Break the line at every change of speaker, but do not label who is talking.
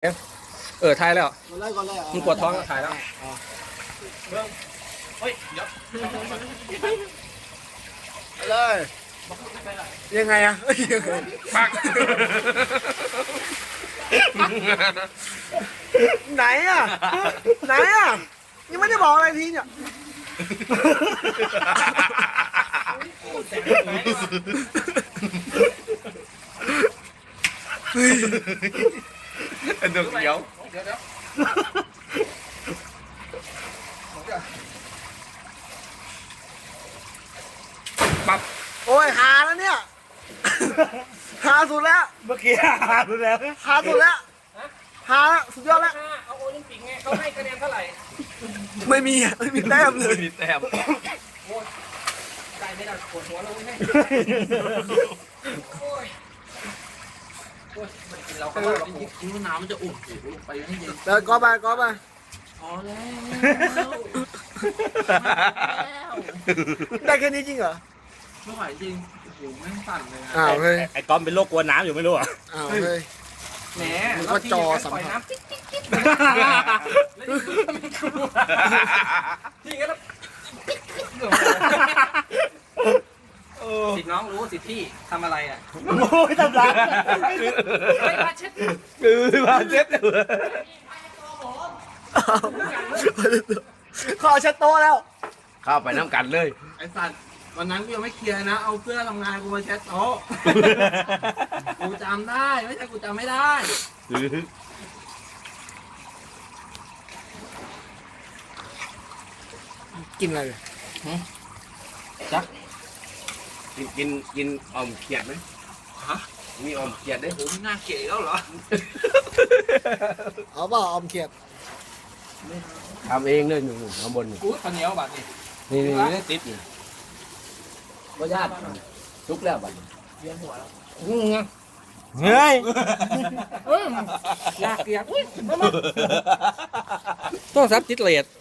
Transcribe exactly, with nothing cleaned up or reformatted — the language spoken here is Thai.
เออถ่ายแล้ว
ก่อนเลยก่อนเลย
มึงปวดท้องก็ถ่ายแล้ว
เฮ้ยเดี๋ยว
เลยยังไงอะยังไง
ปัก
ไหนอะไหนอะยังไม่ได้บอกอะไรทีเนี่ยเฮ้ย
อันเดียวเดี๋ยว
เดี๋ยวเดี๋ยว
ปั๊บ
โอ้ยหาแล้วเนี่ยหาสุดแล้ว
เมื่อกี้หาดูแล้ว
หาสุดแล้วหาแล้วสุดยอดแล้ว
เอาโอลิมปิกไงเขาให้คะแนนเท่าไหร่
ไม่มีอะไม่มีแต้มเลย
มีแต้ม
โอ้ยได้ไม่ได้ปวดหัวเลยให้โอ้ยโอ้ยมันกินเราเข้าไปเรากินกินน้ำมันจะอุ่นลงไปให้เย็น
เดินก้อไปก้อไป
พอแล้ว
ได้แค่นี้จริงเหรอ
ไม่ไหวจริงโอ้โหแม่งสั่นเลย
อ้าวเฮ้ย
ไอ้ก้อมเป็นโรคกลัวน้ำอยู่ไม่รู้อ่ะ
อ้าวเฮ้ย
แหม
มันก็จอสัมผัส
น้ำจิ๊กจิ๊กจิ๊กที่งั้นแล้วสิทธิ์น้องรู้สิทธิ์พี่ทำอะไรอ่ะ
โอ้ยทำร้าย
ไม่พาเช็ด
คือมาเจ็บเลย
ขอเช็ดโต๊ะแล้ว
เข้าไปน้ำกันเลย
ไอ้สัตว์วันนั้นกูยังไม่เคลียร์นะ เอาเพื่อนทำงานกูมาเช็ดโต๊ะกูจำได้ไม่ใช่กูจำไม่ได้
กินอะไรเลย
จ๊ะ
กินกินกินออมเขียดไหม
ฮะ
มีออมเขียดได้
ผมน่าเกลียดแล้วเหรอ
เอาเปล่าออมเขียด
ทำเองเลยหนุ่มข้างบนนี่
กูข้าวเหนียวบัดนี่
นี่นี่ติดอยู่ก็ญาติทุกแล้วบัด
เวียนหัวแล้ว
เฮ้ย
เอ้ยอยากเกลียดอุ้ย
ต้องซับจิตเลด